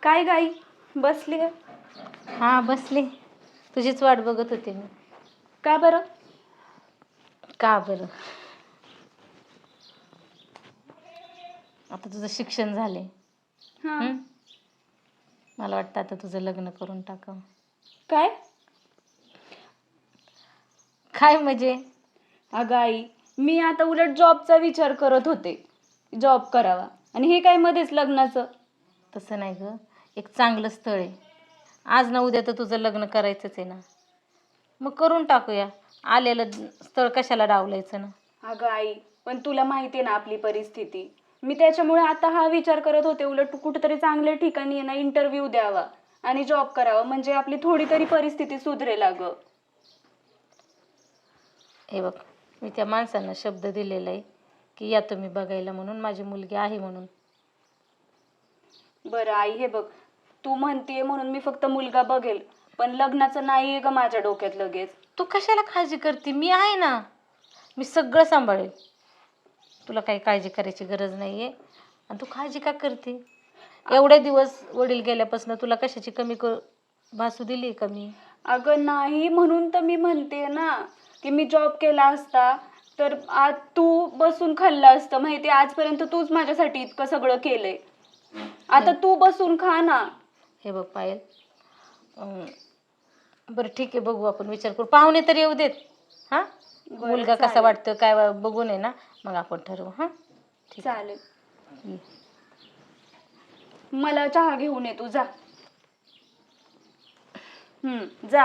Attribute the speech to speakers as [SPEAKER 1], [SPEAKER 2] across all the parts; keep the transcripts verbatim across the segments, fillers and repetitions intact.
[SPEAKER 1] काय गाई बसली आहे?
[SPEAKER 2] हा बसले, तुझीच वाट बघत होते मी.
[SPEAKER 1] का बरं?
[SPEAKER 2] का बरं, आता तुझं शिक्षण झाले.
[SPEAKER 1] हा.
[SPEAKER 2] मला वाटतं आता तुझं लग्न करून टाकावं.
[SPEAKER 1] काय?
[SPEAKER 2] काय म्हणजे?
[SPEAKER 1] अगं आई, मी आता उलट जॉबचा विचार करत होते, जॉब करावा, आणि हे काय मध्येच लग्नाचं?
[SPEAKER 2] तसं नाही ग, एक चांगलं स्थळ आहे. आज ना उद्या तर तुझं लग्न करायचंच आहे ना, मग करून टाकूया. आलेलं स्थळ कशाला डावलायचं ना.
[SPEAKER 1] अगं आई, पण तुला माहिती आहे ना आपली परिस्थिती. मी त्याच्यामुळे आता हा विचार करत होते, उलट कुठेतरी चांगल्या ठिकाणी आहे ना इंटरव्ह्यू द्यावा आणि जॉब करावा, म्हणजे आपली थोडी तरी परिस्थिती सुधरेल. अगं
[SPEAKER 2] हे बघ, मी त्या माणसांना शब्द दिलेला आहे की या तुम्ही बघायला, म्हणून माझी मुलगी आहे म्हणून.
[SPEAKER 1] बरं आई, हे बघ, तू म्हणतीये म्हणून मी फक्त मुलगा बघेल, पण लग्नाचं नाही आहे ग माझ्या डोक्यात लगेच.
[SPEAKER 2] तू कशाला काळजी करते, मी आहे ना, मी सगळं सांभाळेल. तुला काही काळजी करायची गरज नाही आहे. आणि तू काळजी का करते? एवढे दिवस वडील गेल्यापासून तुला कशाची कमी कर भासू दिली कमी?
[SPEAKER 1] अगं नाही, म्हणून तर मी म्हणते ना की मी जॉब केला असता तर आज तू बसून खाल्लं असतं. माहिती, आजपर्यंत तूच माझ्यासाठी इतकं सगळं केलंय, आता तू बसून खा ना.
[SPEAKER 2] हे बघ पायल, अं, बरं ठीक आहे, बघू आपण, विचार करू, पाहुणे तर येऊ देत. हां, मुलगा कसा वाटतो काय बघून आहे ना, मग आपण ठरवू. हां ठीक
[SPEAKER 1] चालेल.
[SPEAKER 2] आहे.
[SPEAKER 1] मला चहा घेऊन ये तू, जा. हम्म जा.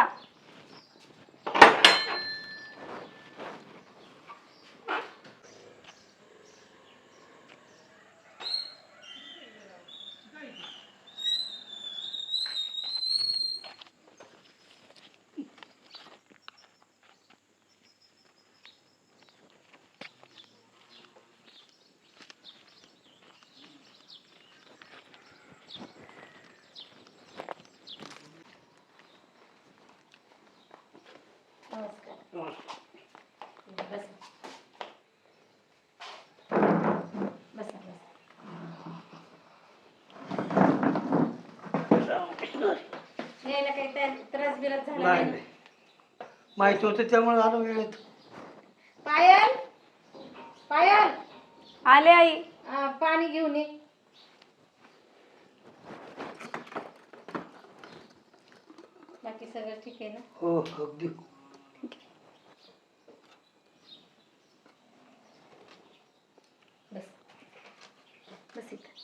[SPEAKER 2] यायला काही त्रास बिरास झाला
[SPEAKER 3] नाही
[SPEAKER 2] नाही?
[SPEAKER 3] नाही, माहिती होतं त्यामुळे आलो वेळेत.
[SPEAKER 2] पायल, पायल,
[SPEAKER 1] आले आई.
[SPEAKER 2] आ, पाणी घेऊन ये. बाकी सगळं ठीक आहे ना?
[SPEAKER 3] हो अगदी.
[SPEAKER 2] बस बस इथं.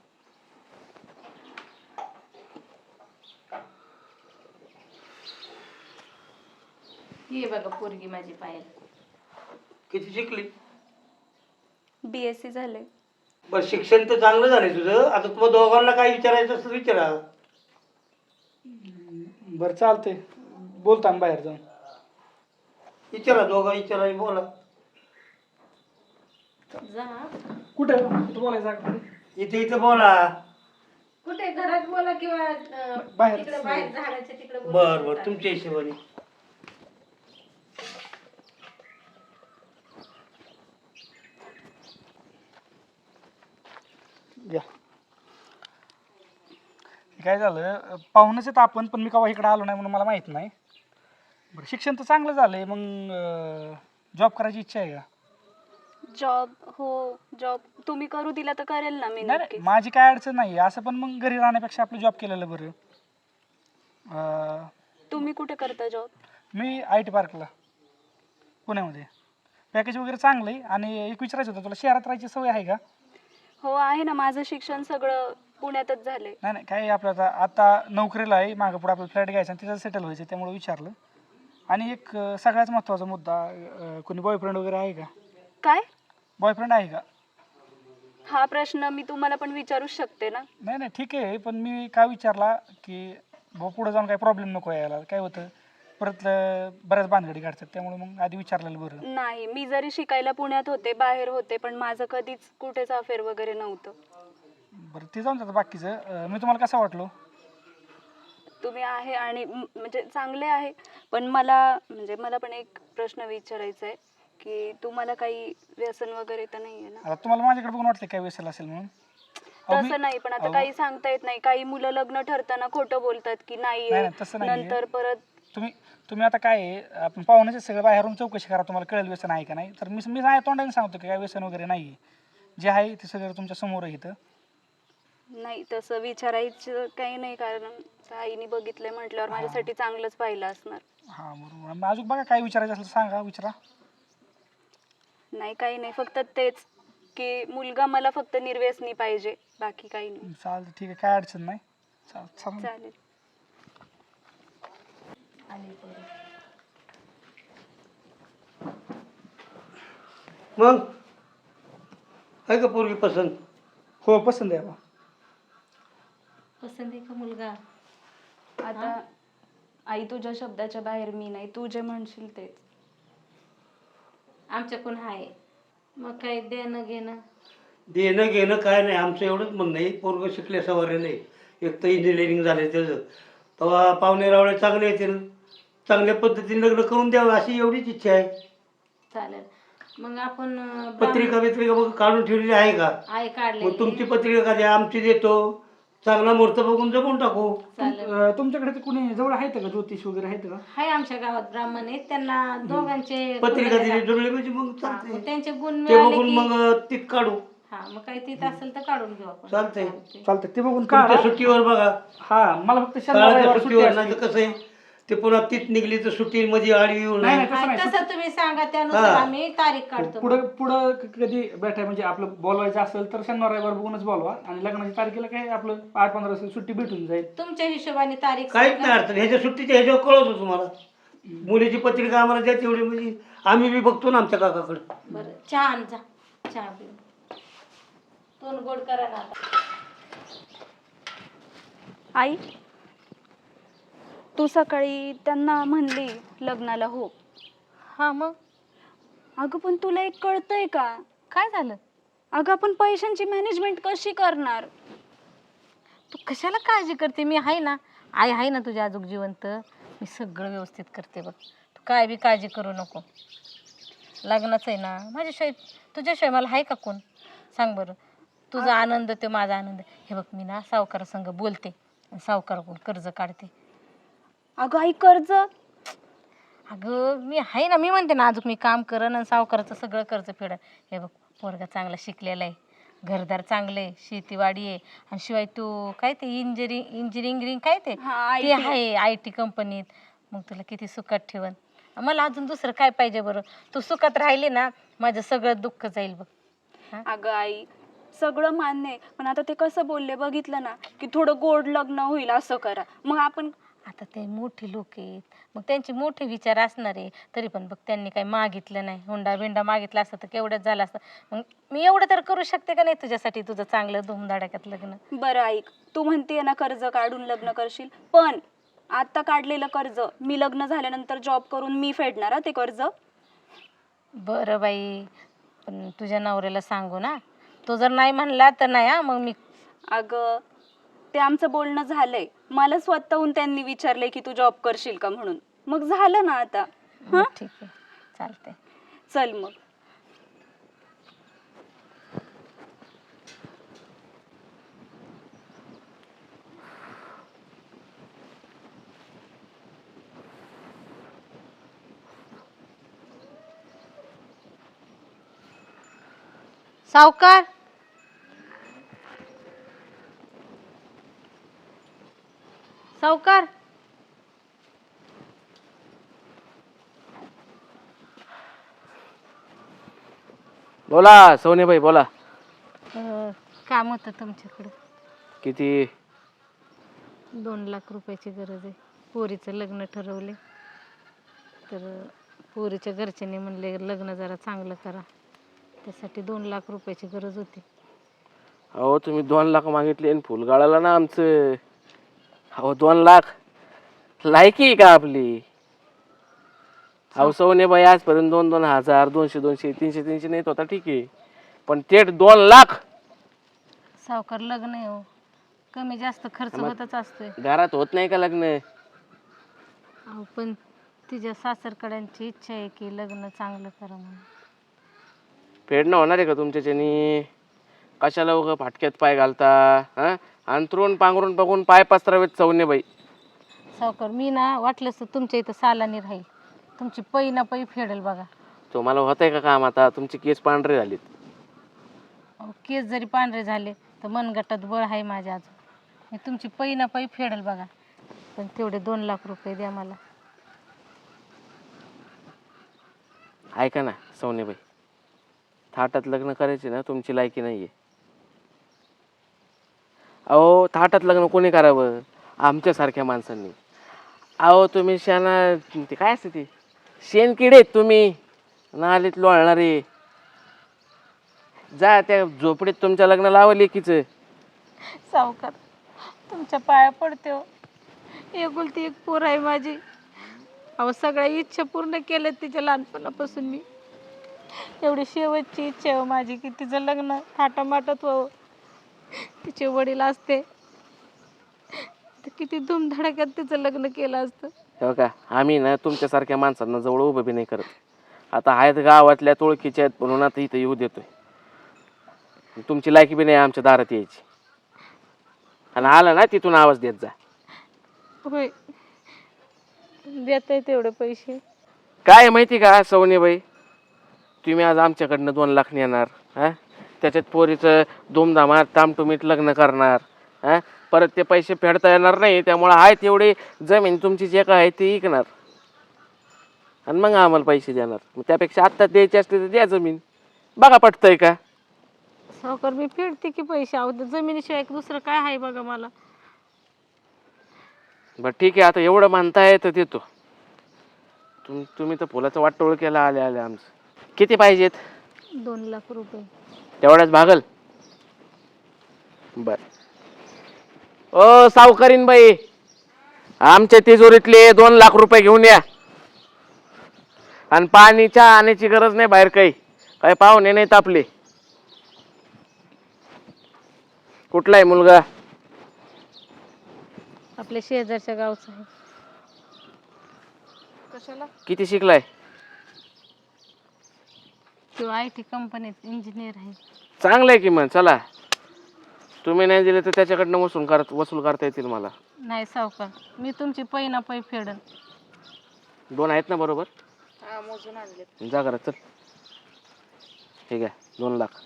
[SPEAKER 2] ये बघा पोरगी माझी पायल.
[SPEAKER 3] किती शिकली?
[SPEAKER 1] बी एस सी झाले.
[SPEAKER 3] बरं, शिक्षण तर चांगलं झालंय तुझं. आता तुम्हाला दोघांना काय विचारायचं असं विचारा.
[SPEAKER 4] बरं चालतंय, बोलता ना बाहेर जाऊन.
[SPEAKER 3] विचारा, दोघा विचारा, बोला.
[SPEAKER 2] जा.
[SPEAKER 4] कुठे तू बोलायचं आहे?
[SPEAKER 3] इथे इथे बोला.
[SPEAKER 2] कुठे, घरात बोला किंवा अं,
[SPEAKER 4] बाहेर.
[SPEAKER 2] तिकडे बाहेर झाडाच्या तिकडे बोला.
[SPEAKER 3] बर बर, तुमच्या हिशोबाने.
[SPEAKER 4] या. काय झालं, पाहुणच आहेत आपण, पण मी केव्हा इकडे आलो नाही म्हणून मला माहित नाही. बरं, शिक्षण तर चांगलं झालंय, मग जॉब करायची इच्छा आहे का?
[SPEAKER 1] जॉब? हो, जॉब तुम्ही करू दिला तर करेल ना मी.
[SPEAKER 4] नाही
[SPEAKER 1] नक्की.
[SPEAKER 4] नाही, माझी काय अडचण नाही असं, पण मग घरी राहण्यापेक्षा आपलं जॉब केलेलं बरं. अं,
[SPEAKER 1] तुम्ही कुठे करता जॉब?
[SPEAKER 4] मी आय टी पार्कला पुण्यामध्ये. पॅकेज वगैरे चांगलं आहे. आणि एक विचारायचं होतं तुला, शहरात राहायची सवय आहे का?
[SPEAKER 1] हो आहे ना, माझं शिक्षण सगळं पुण्यातच झाले.
[SPEAKER 4] नाही नाही, काय आपलं आता आता नोकरीला आहे, मागं पुढे आपलं फ्लॅट घ्यायचा आणि तिथं सेटल व्हायचं, त्यामुळे विचारलं. आणि एक अं, सगळ्यात महत्त्वाचा मुद्दा, अं, कोणी बॉयफ्रेंड वगैरे आहे का?
[SPEAKER 1] काय?
[SPEAKER 4] बॉयफ्रेंड आहे का?
[SPEAKER 1] हा प्रश्न मी तुम्हाला पण विचारूच शकते ना.
[SPEAKER 4] नाही नाही ठीक आहे, पण मी काय विचारला की भाऊ पुढे जाऊन काही प्रॉब्लेम नको यायला. काय होतं परत अं, बऱ्याच भानगडी काढतात, त्यामुळे मग आधी विचारलेलं बरं.
[SPEAKER 1] नाही, मी जरी शिकायला पुण्यात होते, बाहेर होते, पण माझं कधीच कुठेच अफेअर वगैरे नव्हतं.
[SPEAKER 4] बरं, ते जाऊन जातं बाकीचं. अं, मी तुम्हाला कसं वाटलो?
[SPEAKER 1] तुम्ही आहे आणि म- म्हणजे चांगले आहे, पण मला म्हणजे मला पण एक प्रश्न विचारायचा आहे की तुम्हाला काही व्यसन वगैरे तर नाही आहे ना?
[SPEAKER 4] आता तुम्हाला माझ्याकडे बघून वाटतं काय व्यसन असेल म्हणून? अहो, मी-
[SPEAKER 1] तसं नाही, पण आता
[SPEAKER 4] अहो,
[SPEAKER 1] काही सांगता येत नाही. काही मुलं लग्न ठरताना खोटं बोलतात की
[SPEAKER 4] नाही,
[SPEAKER 1] नाहीये,
[SPEAKER 4] नाही, तसं नाहीये.
[SPEAKER 1] नंतर परत
[SPEAKER 4] तुम्ही तुम्ही आता काय आहे, आपण पाहुण्याचे सगळं बाहेरून चौकशी करा, तुम्हाला कळेल व्यसन आहे का नाही. तर मी मी नाही तोंडाने सांगतो की काय व्यसन वगैरे नाही आहे. जे आहे ते सगळं तुमच्या समोर आहे इथं.
[SPEAKER 1] नाही, तसं विचारायचं काही नाही, कारण आईने बघितलंय म्हटल्यावर माझ्यासाठी चांगलंच पाहिलं असणार.
[SPEAKER 4] हां बरोबर. मग अजून बघा काय विचारायचं असेल तर सांगा, विचारा.
[SPEAKER 1] नाही, काही नाही, फक्त तेच की मुलगा मला फक्त निर्व्यसनी पाहिजे, बाकी काही नाही.
[SPEAKER 4] चालतं, ठीक आहे, काय अडचण नाही. चाल चालेल.
[SPEAKER 1] चालेल.
[SPEAKER 3] मग आहे का पोरगी पसंत?
[SPEAKER 4] हो, पसंत आहे बा.
[SPEAKER 2] पसंत आहे का मुलगा?
[SPEAKER 1] आता आई, तुझ्या शब्दाच्या बाहेर मी नाही, तू जे म्हणशील तेच.
[SPEAKER 2] आमच्याकडून आहे, मग काय देणं घेणं.
[SPEAKER 3] देणं घेणं काय नाही, आमचं एवढंच म्हणणं आहे, पोरगं शिकल्या सवारे नाही, एक तर इंजिनिअरिंग झाले त्याचं, तेव्हा पाहुणे रावळे चांगले येतील, चांगल्या पद्धतीने लग्न करून द्यावं अशी एवढीच इच्छा आहे.
[SPEAKER 2] चालेल, मग आपण अं,
[SPEAKER 3] पत्रिका बित्रिका बघ काढून ठेवलेली आहे का?
[SPEAKER 2] आहे काढले.
[SPEAKER 3] मग तुमची पत्रिका का द्या, आमची देतो, चांगला मुहूर्त बघून जमून टाकू.
[SPEAKER 2] चालेल.
[SPEAKER 4] अं, तुमच्याकडे ते कुणी जवळ आहेत का, ज्योतिष वगैरे आहेत का?
[SPEAKER 2] हाय आमच्या गावात ब्राह्मण आहेत, त्यांना दोघांचे
[SPEAKER 3] पत्रिका
[SPEAKER 2] गुण
[SPEAKER 3] दिली जुळली म्हणजे मग
[SPEAKER 2] हा, मग
[SPEAKER 3] चालतंय,
[SPEAKER 2] त्यांचे गुण
[SPEAKER 3] ते
[SPEAKER 2] मिळाले
[SPEAKER 3] बघून
[SPEAKER 2] की
[SPEAKER 3] मग तीत काढू.
[SPEAKER 2] हा, मग काही तिथ असेल तर काढून घेऊ आपण.
[SPEAKER 3] चालतंय.
[SPEAKER 2] चालतंय.
[SPEAKER 4] चालतं, ते बघून
[SPEAKER 3] तुमच्या
[SPEAKER 4] काढा.
[SPEAKER 3] सुट्टीवर बघा,
[SPEAKER 4] हा, मला फक्त शनिवार
[SPEAKER 3] शाळेच्या
[SPEAKER 4] रविवार सुट्टी
[SPEAKER 3] सुट्टीवर
[SPEAKER 4] असते.
[SPEAKER 3] नाही तर कसं आहे ते पुन्हा तीत निघली तर सुट्टी मध्ये आडवी येऊ
[SPEAKER 4] नाही,
[SPEAKER 3] नये.
[SPEAKER 4] नाही, तसं
[SPEAKER 2] हा,
[SPEAKER 4] नाही.
[SPEAKER 2] तसं तुम्ही सांगा, त्यानुसार
[SPEAKER 3] हा.
[SPEAKER 2] आम्ही तारीख काढतो.
[SPEAKER 4] पुढं पुढं क- कधी भेटाय म्हणजे आपलं बोलवायचं असेल तर शनिवार रविवार बघूनच बोलवा, आणि लग्नाच्या तारखेला काय आपलं आठ पंधरा दिवस सुट्टी भेटून जाईल.
[SPEAKER 2] तुमच्या हिशोबाने तारीख
[SPEAKER 3] काहीच
[SPEAKER 2] सांगा.
[SPEAKER 3] नाही अडचण, ह्याच्या सुट्टीच्या ह्याच्यावर कळवतो तुम्हाला. मुलीची पत्रिका आम्हाला द्या तेवढी, म्हणजे आम्ही बी बघतो ना आमच्या काकाकडे.
[SPEAKER 2] बरं, चहा आण जा, चहा पिऊ. तोंड गोड करा ना आता.
[SPEAKER 1] आई, तू सकाळी त्यांना म्हणली लग्नाला हो.
[SPEAKER 2] हा, मग
[SPEAKER 1] अगं पण तुला एक कळतंय का?
[SPEAKER 2] काय झालं?
[SPEAKER 1] अगं आपण पैशांची मॅनेजमेंट कशी करणार?
[SPEAKER 2] तू कशाला काळजी करते? मी आहे ना, आई आहे ना तुझ्या आजूक जिवंत. मी सगळं व्यवस्थित करते बघ, तू काय बी काळजी करू नको. लग्नाचं आहे ना, माझ्याशिवाय तुझ्याशिवाय मला आहे का कोण? सांग बरं. तुझा आनंद ते माझा आनंद. हे बघ, मी ना सावकारासंग बोलते आणि सावकाराकडून कर्ज काढते.
[SPEAKER 1] अगं आई, कर्ज?
[SPEAKER 2] अगं मी आहे ना, मी म्हणते ना अजून मी काम करन आणि सावकाराचं सगळं कर्ज फेडन. हे बघ, पोरगा चांगला शिकलेला आहे, घरदार चांगलं आहे, शेतीवाडी आहे, आणि शिवाय तू काय ते इंजिनिअरिंग इंजिनिअरिंग काय ते
[SPEAKER 1] हा,
[SPEAKER 2] ते आहे आय टी कंपनीत. मग तुला किती सुखात ठेवन. मला अजून दुसरं काय पाहिजे बरं? तू सुखात राहिली ना, माझं सगळं दुःख जाईल बघ. हा?
[SPEAKER 1] अगं आई, सगळं मान्य आहे, पण आता ते कसं बोलले बघितलं ना, की थोडं गोड लग्न होईल असं करा. मग आपण
[SPEAKER 2] आता ते मोठे लोक आहेत, मग त्यांचे मोठे विचार असणार आहे. तरी पण बघ, त्यांनी काही मागितलं नाही, हुंडा बिंडा मागितला असतं तर केवढंच झालं असतं. मग मी एवढं तर करू शकते का नाही तुझ्यासाठी, तुझं चांगलं धुमधडाक्यात लग्न.
[SPEAKER 1] बरं ऐक, तू म्हणते ना कर्ज काढून लग्न करशील, पण आता काढलेलं कर्ज मी लग्न झाल्यानंतर जॉब करून मी फेडणार हा ते कर्ज.
[SPEAKER 2] बरं बाई, पण तुझ्या नवऱ्याला सांगू ना, तो जर नाही म्हणला तर नाही. हा, मग मी
[SPEAKER 1] अगं, ते आमचं बोलणं झालंय, मला स्वतःहून त्यांनी विचारलंय की तू जॉब करशील का म्हणून. मग झालं ना आता.
[SPEAKER 2] मग ठीक आहे, चालतंय.
[SPEAKER 1] चल मग.
[SPEAKER 2] सावकार, सावकार,
[SPEAKER 5] बोला सोनेबाई बोला.
[SPEAKER 2] अं, काम होतं तुमच्याकडं.
[SPEAKER 5] किती?
[SPEAKER 2] दोन लाख रुपयाची गरज आहे. पोरीचं लग्न ठरवले, तर पोरीच्या घरच्यांनी म्हणले लग्न जरा चांगलं करा, त्यासाठी दोन लाख रुपयाची गरज होती.
[SPEAKER 5] अहो तुम्ही दोन लाख मागितले आणि फुल गाळाला ना आमचं. अहो दोन लाख लायकी आहे का आपली? अहो सोनेबाई आजपर्यंत दोन दोन हजार दोनशे दोनशे तीनशे तीनशे नेत होता, ठीक आहे, पण थेट दोन लाख?
[SPEAKER 2] सावकार, लग्न आहे हो, कमी जास्त खर्च
[SPEAKER 5] मग-
[SPEAKER 2] होतच असतोय.
[SPEAKER 5] घरात होत नाही का लग्न?
[SPEAKER 2] अहो पण तिच्या सासरकड्यांची इच्छा आहे की लग्न चांगलं करा म्हणून.
[SPEAKER 5] फेडणं होणार आहे का तुमच्याच्यानी? कशाला उगं फाटक्यात पाय घालता हा? अंतरून पांघरून बघून पाय पसरावेत सवने बाई.
[SPEAKER 2] सावकार मी ना वाटलंच तर तुमच्या इथं सालानी राहील, तुमची पै ना पै फेडेल बघा.
[SPEAKER 5] तुम्हाला होतंय का काम आता? तुमची केस पांढरे झालीत.
[SPEAKER 2] अहो, केस जरी पांढरे झाले तर मनगटात बळ आहे माझ्या अजून. मी तुमची पै ना पै फेडेल बघा, पण तेवढे दोन लाख रुपये द्या मला.
[SPEAKER 5] ऐका ना सवनेबाई, थाटात लग्न करायचे ना तुमची लायकी नाहीये. अहो थाटात लग्न कोणी करावं? आमच्यासारख्या माणसांनी. अहो तुम्ही शाना ते काय असते ते शेणकिडे आहेत तुम्ही, नालीत लोळणारे. जा त्या झोपडीत तुमच्या लग्न लावा लेकीचं.
[SPEAKER 2] सावकार तुमच्या पाया पडते हो, एकुलती एक पोर आहे माझी. अहो सगळ्या इच्छा पूर्ण केल्या तिच्या लहानपणापासून मी. एवढी शेवटची इच्छा आहे हो माझी की तिचं लग्न थाटामाटात व्हावं. तिचे वडील असते तर किती धूमधडाक्यात तिचं लग्न केलं असतं.
[SPEAKER 5] हो का, आम्ही ना तुमच्यासारख्या माणसांना जवळ उभं बी नाही करत. आता आहेत गावातल्या तुळकीच्या आहेत म्हणून आता इथं येऊ देतोय. तुमची लायकी बी नाही आमच्या दारात यायची. आणि आला ना तिथून आवाज देत जा.
[SPEAKER 2] होय देत आहे तेवढे पैसे.
[SPEAKER 5] काय माहिती का सवनीबाई, तुम्ही आज आमच्याकडनं दोन लाख नेणार हा, त्याच्यात पोरीचं धूमधामात तामटुमीत लग्न करणार हा, परत ते पैसे फेडता येणार नाही. त्यामुळं आहे तेवढी जमीन तुमची जे काय आहे ती विकणार आणि मग आम्हाला पैसे देणार. मग त्यापेक्षा आत्ता द्यायची असते तर द्या जमीन. बघा पटतंय का?
[SPEAKER 2] सावकार मी फेडते की पैसे. अहो जमिनीशिवाय दुसरं काय आहे बघा मला.
[SPEAKER 5] बरं ठीक आहे, आता एवढं म्हणताय तर देतो. तुम तुम्ही तर फुलाचा वाटोळ केला आले आले आमचं. किती पाहिजेत?
[SPEAKER 2] दोन लाख रुपये.
[SPEAKER 5] तेवढ्याच भागल? बर. ओ सावकारीन बाई, आमच्या तिजोरीतले दोन लाख रुपये घेऊन या. आणि पाणी चहा आणायची गरज नाही बाहेर, काही काही पाहुणे नाहीत आपले. कुठला आहे मुलगा?
[SPEAKER 2] आपल्या शेजारच्या गावचं आहे.
[SPEAKER 1] कशाला?
[SPEAKER 5] किती शिकलाय?
[SPEAKER 2] तो आय टी कंपनीत इंजिनियर आहे.
[SPEAKER 5] चांगलं आहे की मग. चला, तुम्ही नाही दिले तर त्याच्याकडनं वसूल करत वसूल करता येतील मला.
[SPEAKER 2] नाही सावकार, मी तुमची पै ना पै फेडन.
[SPEAKER 5] दोन आहेत ना बरोबर?
[SPEAKER 1] हा मोजून आणले.
[SPEAKER 5] जा करा चल. ठीक आहे, दोन लाख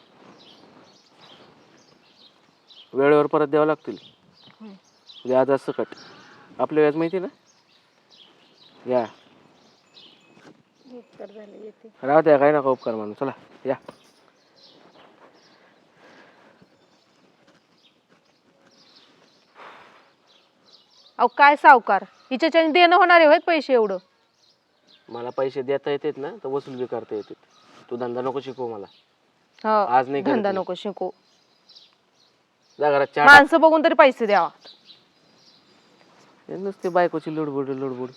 [SPEAKER 5] वेळेवर परत द्यावं लागतील. व्याज असं कट. आपलं व्याज माहिती ना? या
[SPEAKER 2] उपकार झाले येते.
[SPEAKER 5] राहू द्या, काही नका उपकार म्हणून. चला या.
[SPEAKER 6] अहो काय सावकार, हिच्याच्याने देणं होणार आहे पैसे एवढं?
[SPEAKER 5] मला पैसे देता येतात ना तर वसूल बी करता येतात. तू धंदा नको शिकवू मला.
[SPEAKER 6] हो,
[SPEAKER 5] आज नाही करत
[SPEAKER 6] धंदा
[SPEAKER 5] मी.
[SPEAKER 6] नको शिकू.
[SPEAKER 5] जा घरात चहा.
[SPEAKER 6] माणसं बघून तरी पैसे द्यावा.
[SPEAKER 5] हे नुसते बायकोची लुडबुड लुडबुड.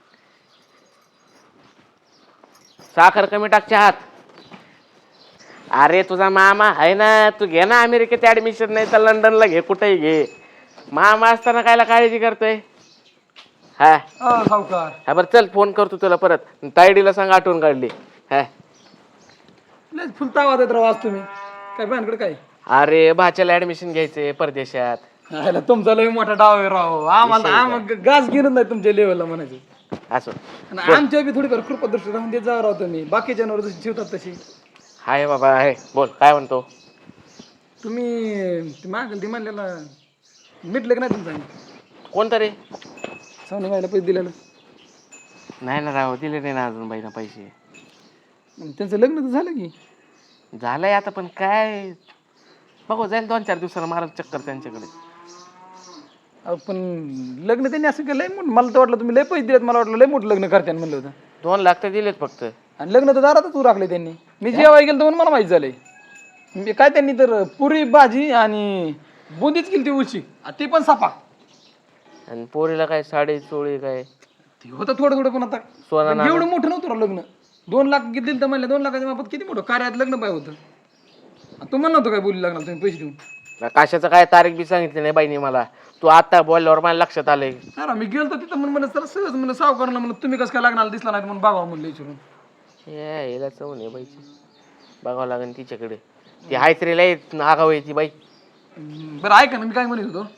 [SPEAKER 5] साखर कमी टाक चहात. अरे तुझा मामा आहे ना, तू घे ना अमेरिकेत ऍडमिशन, नाही तर लंडनला घे, कुठेही घे. मामा असताना कायला काळजी करतोय? हा
[SPEAKER 4] सावकार
[SPEAKER 5] हा बरं चल, फोन करतो तुला परत. तायडीला सांग आठवण काढली. हा
[SPEAKER 4] लय फुलतावा देत राव आज तुम्ही. काय भानगड काय?
[SPEAKER 5] अरे भाच्याला ऍडमिशन घ्यायचंय परदेशात.
[SPEAKER 4] ह्याला तुमचा लय मोठा डाव आहे राव. आम्हाला आम्हाला गाज गिरत नाही तुमच्या लेवलला म्हणायचं.
[SPEAKER 5] असं
[SPEAKER 4] आणि आमच्या बी थोडीफार कृपदृष्टी राहून देत जा राव तुम्ही. बाकी जनावर जशी ठेवतात तशी.
[SPEAKER 5] आहे बाबा आहे. बोल काय म्हणतो?
[SPEAKER 4] तुम्ही ते मागेल ते म्हणलेला मिटलं की नाही तुमचं?
[SPEAKER 5] कोणतं रे?
[SPEAKER 4] सोने व्हायला पैसे दिलेलं.
[SPEAKER 5] नाही ना राव, दिले नाही ना अजून बाईना पैसे.
[SPEAKER 4] मग त्यांचं लग्न तर झालं की.
[SPEAKER 5] झालंय आता, पण काय बघू, जाईल दोन चार दिवसाला मारा चक्कर त्यांच्याकडे.
[SPEAKER 4] अहो, पण लग्न त्यांनी असं केलं लय मोठं. मला तर वाटलं तुम्ही लय पैसे दिलेत. मला वाटलं लय मोठं लग्न करते म्हणलं होतं.
[SPEAKER 5] दोन लाख तर दिलेत फक्त.
[SPEAKER 4] आणि लग्न तर दारातच राखले त्यांनी. मी जेवाय गेलो तर मला माहिती झालंय. मी काय त्यांनी तर पुरी भाजी आणि बुंदीच केली ती उशी, ती पण सापा.
[SPEAKER 5] आणि पोरीला काय साडी चोळी काय
[SPEAKER 4] ते होतं थोडं थोडं, पण आता
[SPEAKER 5] सोना
[SPEAKER 4] पण
[SPEAKER 5] नाणं.
[SPEAKER 4] एवढं मोठं नव्हतं राव लग्न. दोन लाख दिले तर म्हणले, दोन लाखाच्या बाबत किती मोठं कार्यात लग्न पाहिजे होतं. आणि तू म्हणलं होतं काय बोलू लागला तुम्ही पैसे देऊन?
[SPEAKER 5] कशाचं काय तारीख बी सांगितली नाही बाईने मला. तू आता बोलल्यावर मला लक्षात आलंय.
[SPEAKER 4] नाही राव, मी गेलो तर तिथं म्हणून म्हणलं सर सहज म्हणलं सावकारला म्हणलं तुम्ही कसं काय लागणार दिसला नाही म्हणून बघावं म्हणलं विचारून.
[SPEAKER 5] यायला चवून आहे बाईची. बघावं लागेल तिच्याकडे. ती हायत्रीला आगाव आहे ती बाई.
[SPEAKER 7] हम्म, बरं ऐका ना मी काय म्हणत होतो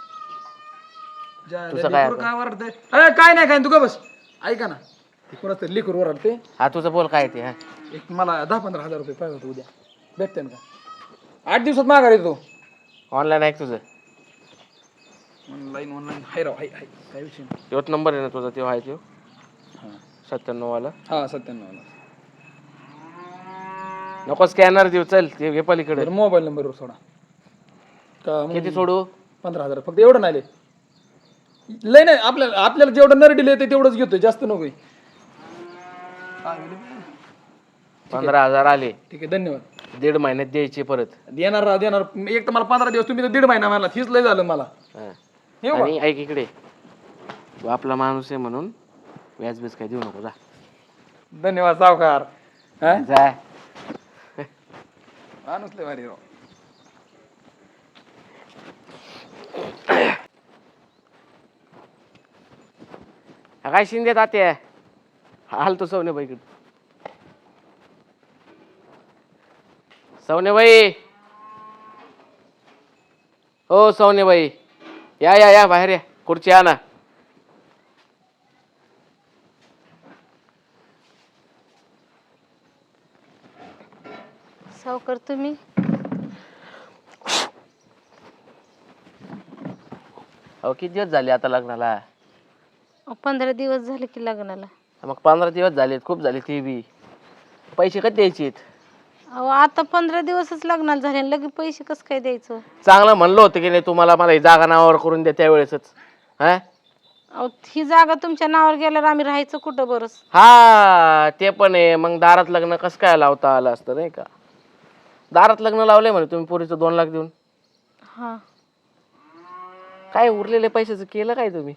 [SPEAKER 7] ज्या-
[SPEAKER 5] तुझं
[SPEAKER 7] त्या
[SPEAKER 5] काय
[SPEAKER 7] लेकरू काय ओरडते अरे काय नाही काय नाही, तू का बस ऐका ना कोणाचं तरी लेकरू ओरडते
[SPEAKER 5] हा तुझं बोल काय ते. हा
[SPEAKER 7] एक मला दहा पंधरा हजार रुपये पाहिजे होते उद्या भेटते का आठ दिवसात माघार येतो
[SPEAKER 5] ऑनलाईन आहे का तुझं?
[SPEAKER 7] ऑनलाईन ऑनलाईन हाय राव हाय हाय काय विषय नाही
[SPEAKER 5] तोच नंबर आहे ना तुझा, तो आहे तो
[SPEAKER 7] हां
[SPEAKER 5] सत्त्याण्णव वाला.
[SPEAKER 7] हां सत्त्याण्णव
[SPEAKER 5] नको स्कॅनर देऊ, चल ते घे पलीकडे.
[SPEAKER 7] बरं मोबाईल नंबरवर सोडा का मग
[SPEAKER 5] किती सोडू?
[SPEAKER 7] पंधरा हजार फक्त एवढं नाही लय. लय नाही आपल्याला आपल्याला जेवढं नरडी येते तेवढंच घेतोय जास्त नको
[SPEAKER 5] पंधरा हजार आले,
[SPEAKER 7] ठीक आहे धन्यवाद
[SPEAKER 5] दीड महिन्यात द्यायचे परत.
[SPEAKER 7] देणार राव देणार एक तर मला पंधरा दिवस तुम्ही तर दीड महिना मला तीच लय झालं मला
[SPEAKER 5] हा.
[SPEAKER 7] येऊ का?
[SPEAKER 5] आणि ऐक इकडे, तू आपला माणूस आहे म्हणून व्याज बीज काय देऊ नको. जा
[SPEAKER 7] धन्यवाद सावकार हा
[SPEAKER 5] जा.
[SPEAKER 7] माणूस लय भारी राव
[SPEAKER 5] हा काय शिंदे तात्या हाल तो सवनेबाईकडे. सवनेबाई, हो सवनेबाई या या या बाहेर या, खुर्ची आणा.
[SPEAKER 2] सावकार तुम्ही
[SPEAKER 5] अहो किती दिवस झाले आता लग्नाला?
[SPEAKER 2] अहो, पंधरा दिवस झाले की लग्नाला.
[SPEAKER 5] मग पंधरा दिवस झालेत, खूप झाले. ते बी पैसे कधी द्यायचे?
[SPEAKER 2] अहो आता पंधरा दिवसच लग्नाला झाले आणि लगेच पैसे कसं काय द्यायचं?
[SPEAKER 5] चांगलं म्हणलं होतं की नाही तुम्हाला, मला ही जागा नावावर करून द्या त्यावेळेसच. हा
[SPEAKER 2] अहो ही जागा तुमच्या नावावर गेल्यावर आम्ही राहायचं कुठं बरंच?
[SPEAKER 5] हा ते पण आहे. मग दारात लग्न कसं काय लावता आलं असतं नाही का? दारात लग्न लावलंय म्हणे तुम्ही पोरीचं दोन लाख देऊन.
[SPEAKER 2] हा
[SPEAKER 5] काय उरलेले पैशाचं केलं काय तुम्ही?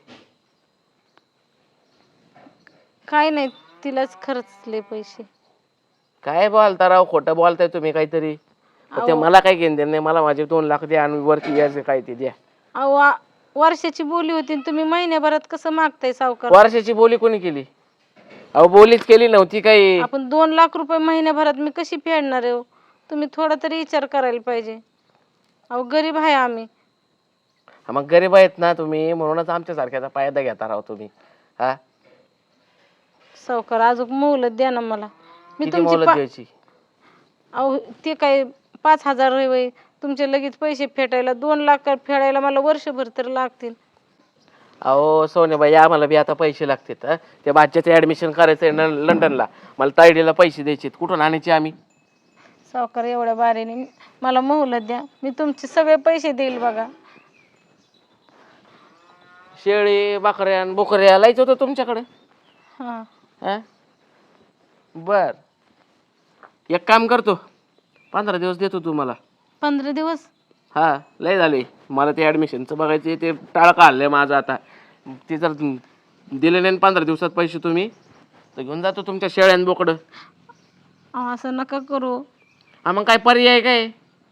[SPEAKER 2] काय नाही, तिलाच खर्चले पैसे.
[SPEAKER 5] काय बोलता राव, खोटं बोलताय तुम्ही काहीतरी. पण ते मला काय घेणं देणं नाही, मला माझे दोन लाख द्या आणि वरती यायचं काय ते द्या.
[SPEAKER 2] अहो आ- वर्षाची बोली होती आणि तुम्ही महिन्याभरात कसं मागताय सावकार?
[SPEAKER 5] वर्षाची बोली कोणी केली? अहो बोलीच केली नव्हती काही.
[SPEAKER 2] आपण दोन लाख रुपये महिन्याभरात मी कशी फेडणार आहे हो? तुम्ही थोडा तरी विचार करायला पाहिजे. अहो गरीब आहे आम्ही.
[SPEAKER 5] हा, मग गरीब आहेत ना तुम्ही, म्हणूनच आमच्या सारख्याचा फायदा घेता राव तुम्ही. हा
[SPEAKER 2] सावकार अजून मोलत द्या ना मला. मी
[SPEAKER 5] किती
[SPEAKER 2] तुमची
[SPEAKER 5] मोलत
[SPEAKER 2] पा-
[SPEAKER 5] द्यायची?
[SPEAKER 2] अहो ते काय पाच हजार होय, तुमचे लगेच पैसे फेटायला दोन लाख फेडायला मला वर्षभर तर लागतील.
[SPEAKER 5] अहो सोनेबाई आम्हाला बी आता पैसे लागतात. हं? त्या बाच्याचं ऍडमिशन करायचंय न- लंडनला. मला तायडीला पैसे द्यायचे, कुठून आणायचे आम्ही?
[SPEAKER 2] सावकार एवढ्या बारीने मला मोहलत द्या, मी तुमचे सगळे पैसे देईल बघा.
[SPEAKER 5] शेळी बकऱ्या बोकऱ्या लायचं होतं तुमच्याकडे.
[SPEAKER 2] हा
[SPEAKER 5] हा बर, एक काम करतो, पंधरा दिवस देतो तुम्हाला.
[SPEAKER 2] पंधरा दिवस?
[SPEAKER 5] हा लय झाले मला ते ऍडमिशनचं बघायचे, ते टाळका हल्लंय माझं आता. ते जर दिले नाही पंधरा दिवसात पैसे तुम्ही, तर घेऊन जातो तुमच्या शेळ्यान बोकडं.
[SPEAKER 2] अहो, असं नका करू.
[SPEAKER 5] हा मग काय पर्याय काय?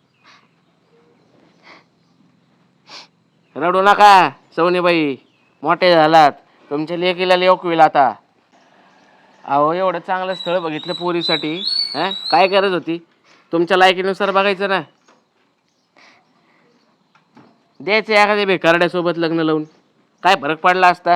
[SPEAKER 5] रडू नका सवनीबाई, मोठे झालात, तुमच्या लेकीला लेकविल आता. अहो एवढं चांगलं स्थळ बघितलं पोरीसाठी. हा काय गरज होती? तुमच्या लायकीनुसार बघायचं ना. द्यायचं एखाद्या बेकारड्यासोबत लग्न लावून, काय फरक पडला असता?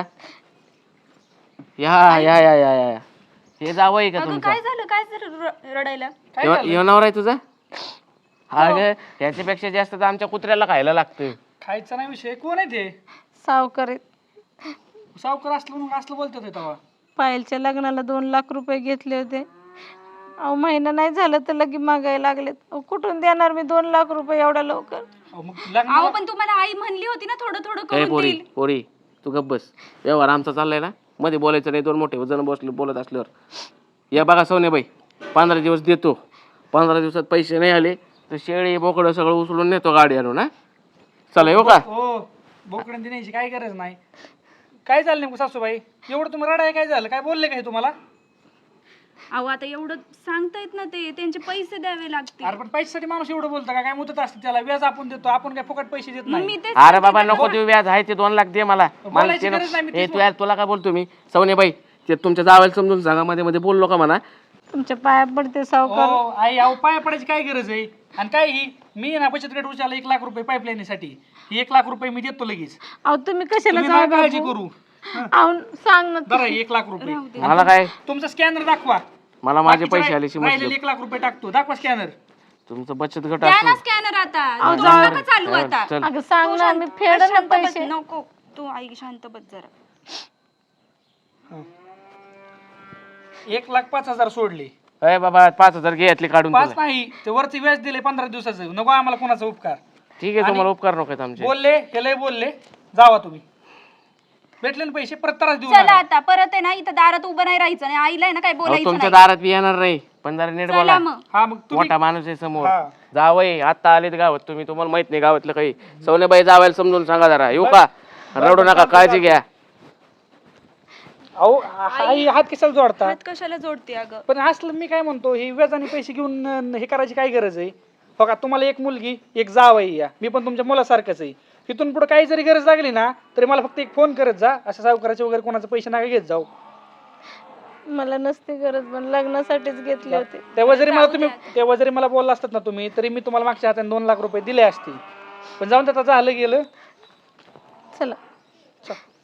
[SPEAKER 5] या या या या या हे जावं का
[SPEAKER 1] अगं
[SPEAKER 5] तुमचं?
[SPEAKER 1] काय झालं, काय झालं र- रडायला?
[SPEAKER 5] येणार आहे तुझा? हा ग त्याच्यापेक्षा जास्त तर आमच्या कुत्र्याला खायला लागतं.
[SPEAKER 4] खायचा नाही विषय. कोण आहे ते?
[SPEAKER 2] सावकार आहेत.
[SPEAKER 4] सावकार असलं म्हणून असलं बोलतात हे तेव्हा.
[SPEAKER 2] पायलच्या लग्नाला दोन लाख रुपये घेतले होते. अहो महिना नाही झालं तर लगे मागायला लागलेत. अहो कुठून देणार मी दोन लाख रुपये एवढ्या लवकर?
[SPEAKER 4] अहो, मग लग्न
[SPEAKER 1] अहो पण तुम्हाला आई म्हणली होती ना थोडं थोडं
[SPEAKER 5] ए
[SPEAKER 1] करून
[SPEAKER 5] पोरी
[SPEAKER 1] देईल.
[SPEAKER 5] पोरी तू गप्प बस. व्यवहार आमचा चाललाय ना, मध्ये बोलायचं नाही. दोन मोठे जण बसले बोलत असल्यावर. या बघा सोनेबाई, पंधरा दिवस देतो. पंधरा दिवसात पैसे नाही आले तर शेळी बोकडं सगळं उचलून नेतो गाडी आणून. ना चला येऊ का?
[SPEAKER 4] हो, बोकडं देण्याची काय गरज नाही. काय झालं नेमकं सासूबाई? एवढं तुम्ही रडाय काय झालं? काय बोलले काय तुम्हाला?
[SPEAKER 1] अहो आता एवढं सांगतायत ना, ते त्यांचे पैसे द्यावे लागतील.
[SPEAKER 4] अरे पण पैशासाठी माणूस एवढं बोलतं का? काय मुदत असते त्याला? व्याज आपण देतो, आपण काय फुकट पैसे देत
[SPEAKER 1] मग
[SPEAKER 4] नाही.
[SPEAKER 1] मी तेच
[SPEAKER 5] अरे बाबा नको देऊ, व्याज आहे ते दोन लाख दे मला. मला
[SPEAKER 4] बोलायची
[SPEAKER 5] ते
[SPEAKER 4] गरज नाही, मी
[SPEAKER 5] नको. ए
[SPEAKER 4] तेच
[SPEAKER 5] तू यार तुला काय बोलतो मी? सवनेबाई ते तुमच्या जावायला समजून सांगा, मध्ये मध्ये बोललो का म्हणा.
[SPEAKER 2] तुमच्या पाया पडते सावकार.
[SPEAKER 4] हो आई, अहो पाया पडायची काय गरज आहे? आणि काय ही मी ना बचत गट उचलला एक लाख रुपये पाईपलाईनीसाठी, ही एक लाख रुपये मी देतो लगेच.
[SPEAKER 2] अहो तुम्ही कशाला
[SPEAKER 4] तुम्ही नका
[SPEAKER 2] जाऊ
[SPEAKER 4] काळजी
[SPEAKER 2] बापू?
[SPEAKER 4] करू.
[SPEAKER 2] अहो सांग ना
[SPEAKER 4] बरं एक लाख रुपये
[SPEAKER 5] मला काय
[SPEAKER 4] तुमचा स्कॅनर दाखवा.
[SPEAKER 5] मला माझे
[SPEAKER 4] बाकीचे
[SPEAKER 5] पैसे
[SPEAKER 4] राहि-
[SPEAKER 5] आल्याशी
[SPEAKER 4] राहिलेले
[SPEAKER 5] मतलब
[SPEAKER 4] एक लाख रुपये टाकतो. दाखवा स्कॅनर.
[SPEAKER 5] तुमचं बचत गट
[SPEAKER 1] द्या ना
[SPEAKER 5] असं
[SPEAKER 1] स्कॅनर आता.
[SPEAKER 2] अहो,
[SPEAKER 1] तू
[SPEAKER 2] जाऊ
[SPEAKER 1] नका चालू आता.
[SPEAKER 5] चल
[SPEAKER 2] अगं सांग
[SPEAKER 1] तू
[SPEAKER 2] ना
[SPEAKER 1] शांत-
[SPEAKER 2] मी फेड ना
[SPEAKER 1] शांत बस.
[SPEAKER 2] पैसे.
[SPEAKER 1] नको तू आई शांत बस जरा.
[SPEAKER 4] एक लाख पाच हजार सोडले.
[SPEAKER 5] अय बाबा पाच हजार घे यातले काढून
[SPEAKER 4] पाच
[SPEAKER 5] तुला.
[SPEAKER 4] नाही ते वरती व्याज दिले पंधरा दिवसाचं. नको आम्हाला कोणाचा उपकार.
[SPEAKER 5] ठीक आहे तुम्हाला उपकार नको आहेत आमचे.
[SPEAKER 4] बोलले हे लय बोलले. जावा तुम्ही. भेटले ना पैसे परत त्रास देऊ
[SPEAKER 1] चला
[SPEAKER 4] नका.
[SPEAKER 1] आता परत आहे ना इथं दारात उभं नाही राहायचं आणि आईला आहे ना काय
[SPEAKER 5] अहो,
[SPEAKER 1] बोलायचं
[SPEAKER 5] तुमच्या
[SPEAKER 1] नाही.
[SPEAKER 5] दारात बी येणार नाही पण जरा नीट
[SPEAKER 1] चला
[SPEAKER 5] बोला.
[SPEAKER 1] मग.
[SPEAKER 4] हा मग तुम्ही
[SPEAKER 5] मोठा माणूस आहे समोर.
[SPEAKER 4] हा.
[SPEAKER 5] जावई आता आलेत गावात तुम्ही, तुम्हाला माहित नाही गावातलं काही. सवनेबाई जावायला समजून सांगा जरा. येऊ का? रडू नका, काळजी घ्या.
[SPEAKER 4] अहो हा ही हात कशाला जोडता?
[SPEAKER 1] हात कशाला जोडते अगं?
[SPEAKER 4] पण असलं मी काय म्हणतो हे व्याजाने पैसे घेऊन अं, हे करायची काय गरज आहे? बघा तुम्हाला एक मुलगी एक जाव आहे, या मी पण तुमच्या मुलासारखंच आहे. इथून पुढे काही जरी गरज लागली ना तरी मला फक्त एक फोन करत जा. असं सावकाराचे वगैरे कोणाचे पैसे नका घेत जाऊ.
[SPEAKER 2] मला नसती गरज पण लग्नासाठीच घेतले होते.
[SPEAKER 4] तेव्हा जरी मला तुम्ही तेव्हा जरी मला बोलला असतात ना तुम्ही तरी मी तुम्हाला मागच्या हाताने दोन लाख रुपये दिले असते. पण जाऊन त्याचं झालं गेलं.
[SPEAKER 2] चला
[SPEAKER 4] चल.